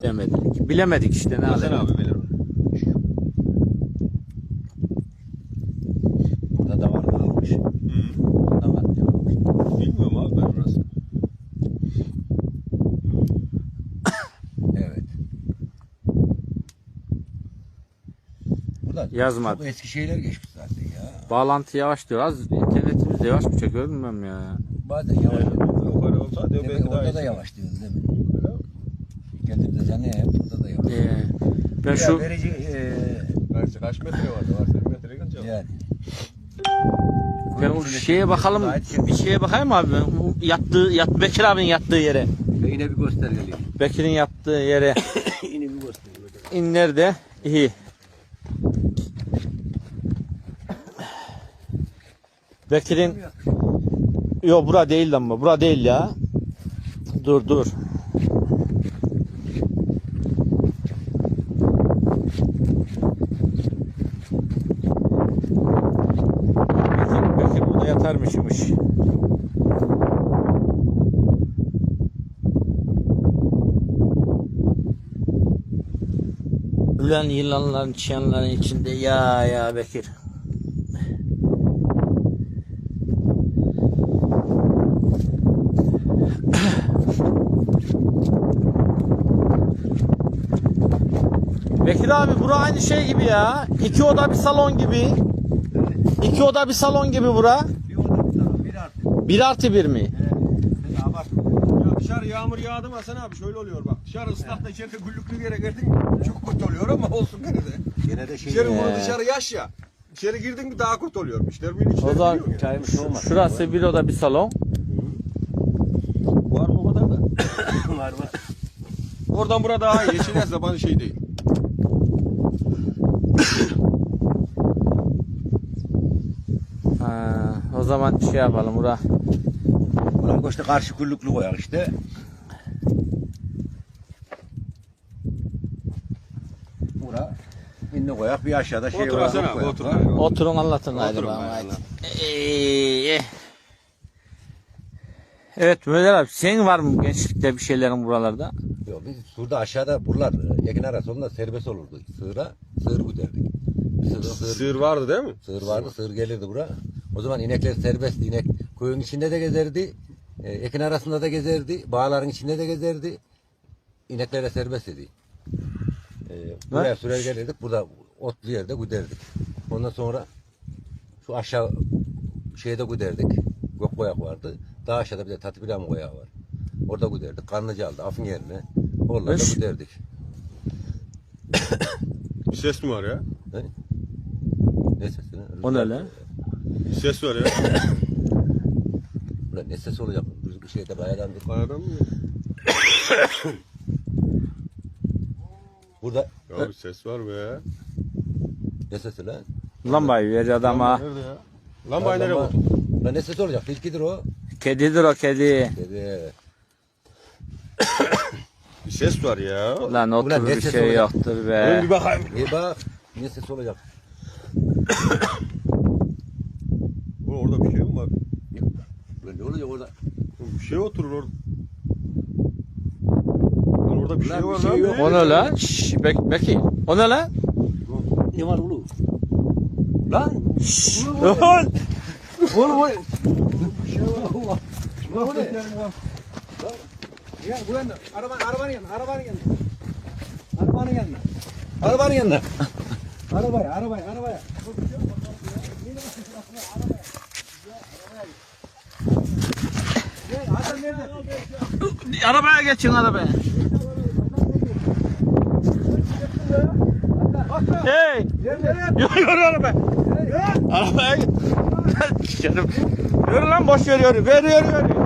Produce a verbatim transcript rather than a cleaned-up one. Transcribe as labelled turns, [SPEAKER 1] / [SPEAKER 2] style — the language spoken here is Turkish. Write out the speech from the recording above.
[SPEAKER 1] Demedik. Bilemedik işte ne
[SPEAKER 2] Hasan
[SPEAKER 1] alalım.
[SPEAKER 2] abi bilir onu.
[SPEAKER 3] Burada da var mı almış?
[SPEAKER 2] Hı.
[SPEAKER 3] Burada var mı almış?
[SPEAKER 2] Bilmiyorum abi ben orası.
[SPEAKER 3] Evet. Burada
[SPEAKER 1] Yazmadı.
[SPEAKER 3] çok eski şeyler geçmiş zaten ya.
[SPEAKER 1] Bağlantı yavaş diyor. Az internetimiz de yavaş mı çekiyor bilmem ya.
[SPEAKER 3] Bazen yavaş oluyor.
[SPEAKER 2] Yukarı olsa diyor
[SPEAKER 3] Demek
[SPEAKER 2] belki daha
[SPEAKER 3] orada da
[SPEAKER 2] iyisi.
[SPEAKER 3] yavaş diyoruz değil mi? Kendimize zannediyor hep burada da yavaş.
[SPEAKER 1] Ee, ben
[SPEAKER 3] Ya
[SPEAKER 1] şu
[SPEAKER 3] verici eee
[SPEAKER 2] Kaç, kaç metre vardı? Var sekiz metre kaç
[SPEAKER 3] yani.
[SPEAKER 1] ben o şeye bakalım. Bir şeye bakayım abi. Ben. Bu Yattığı, yat, Bekir abinin yattığı yere.
[SPEAKER 3] Ve yine bir göstergeli.
[SPEAKER 1] Bekir'in yattığı yere.
[SPEAKER 3] Yine bir göstergeli.
[SPEAKER 1] İn nerede? İyi. Bekir'in yok bura değil ama bura değil ya. Dur dur. Bekir, Bekir burada yatarmışmış. Ulan yılanların çıyanların içinde ya ya Bekir. Bekir abi bura aynı şey gibi ya. İki oda bir salon gibi. İki oda bir salon gibi bura.
[SPEAKER 3] Bir oda bir tarafa bir artı.
[SPEAKER 1] Bir artı bir mi?
[SPEAKER 2] Ya bak. Ya dışarı yağmur yağdı mı Hasan abi şöyle oluyor bak. Dışarı ıslak da içeride güllüklü yere girdin çok kötü oluyor ama olsun gene de.
[SPEAKER 3] Gene de şey.
[SPEAKER 2] İçeri
[SPEAKER 1] Ee.
[SPEAKER 2] bunu dışarı yaş ya. İçeri girdin mi daha kötü oluyor. İşlerimin içleri
[SPEAKER 1] O zaman
[SPEAKER 2] biliyor ya.
[SPEAKER 3] Çaymış olmaz.
[SPEAKER 1] şurası bir oda bir salon.
[SPEAKER 2] Var mı o kadar da?
[SPEAKER 3] Var var.
[SPEAKER 2] Oradan burada daha iyi. Yeşil zaman şey değil.
[SPEAKER 1] Ha, o zaman şey yapalım bura.
[SPEAKER 3] Buna işte karşı güllüklü koyak işte. Bura inni koyak bir aşağıda şey
[SPEAKER 2] Otur
[SPEAKER 3] var.
[SPEAKER 2] Hasan abi otur. abi.
[SPEAKER 1] Oturun anlatın haydi
[SPEAKER 2] Oturun
[SPEAKER 1] bana.
[SPEAKER 2] ben
[SPEAKER 1] haydi.
[SPEAKER 2] anlatayım.
[SPEAKER 1] Ee, Evet Mehmet abi senin var mı gençlikte bir şeylerin buralarda?
[SPEAKER 3] Yok biz burada aşağıda buralar Ekin arası onda serbest olurdu. Sığıra sığır güderdik. Sığır, sığır,
[SPEAKER 2] Sığır vardı değil mi?
[SPEAKER 3] sığır vardı, sığır gelirdi bura. O zaman inekler serbestti. İnek koyun içinde de gezerdi. E, ekin arasında da gezerdi. Bağların içinde de gezerdi. İneklere serbest idi. E, buraya sürer gelirdik. Burada otlu yerde güderdik. Ondan sonra şu aşağı şeyde güderdik. Gökkoyak vardı. Daha aşağıda bir de Tatbiram koyağı var. Orada güderdik. Kanlıcal'da, Afın yerine. Oralarda
[SPEAKER 1] Beş.
[SPEAKER 3] güderdik.
[SPEAKER 2] Bir ses mi var ya?
[SPEAKER 3] Ne? Ne sesi lan?
[SPEAKER 1] O ne lan?
[SPEAKER 2] Bir ses var ya.
[SPEAKER 3] Ulan ne ses olacak? Rüzgar şeyde bayadan bir...
[SPEAKER 2] Kayadan mı?
[SPEAKER 3] Burada
[SPEAKER 2] Ya bir ses var be.
[SPEAKER 3] ne sesi lan?
[SPEAKER 1] Lambayı ver adama.
[SPEAKER 2] Nerede ya? Lambayı nereye
[SPEAKER 3] Lamba-
[SPEAKER 2] koydun?
[SPEAKER 3] Lan ne sesi olacak? Tilkidir o.
[SPEAKER 1] Kedidir o kedi.
[SPEAKER 3] Dedi.
[SPEAKER 2] Bir ses var ya.
[SPEAKER 1] Lan otur
[SPEAKER 3] Ulan ne
[SPEAKER 1] bir
[SPEAKER 3] ses
[SPEAKER 1] şey
[SPEAKER 3] olacak?
[SPEAKER 1] yoktur
[SPEAKER 2] Oğlum
[SPEAKER 1] be.
[SPEAKER 2] bir bakayım.
[SPEAKER 3] İyi bak. Ne sesi olacak?
[SPEAKER 2] Oğlum orada bir şey mi var?
[SPEAKER 3] Lan ne olacak orada?
[SPEAKER 2] Oğlum bir şey oturur orada. Lan orada bir
[SPEAKER 3] Lan
[SPEAKER 2] şey
[SPEAKER 3] bir
[SPEAKER 2] var
[SPEAKER 3] şey
[SPEAKER 2] lan.
[SPEAKER 3] yok.
[SPEAKER 1] O ne lan? Şşş Bek Beki. O ne lan?
[SPEAKER 3] Ne var oğlum? Lan!
[SPEAKER 1] Lan!
[SPEAKER 3] Oğlum o... Bir şey var. Lan bu ne?
[SPEAKER 2] Ya bu yana. Araban, arabanın yanına, arabanın yanına.
[SPEAKER 3] Arabanın yanına. Arabanın yanına. Arabaya, arabaya, arabaya.
[SPEAKER 1] Arabaya geçin arabaya. Hey! Yürü yürü arabaya. Arabaya git. Canım. Yürü lan boş ver yürü. Ver yürü yürü.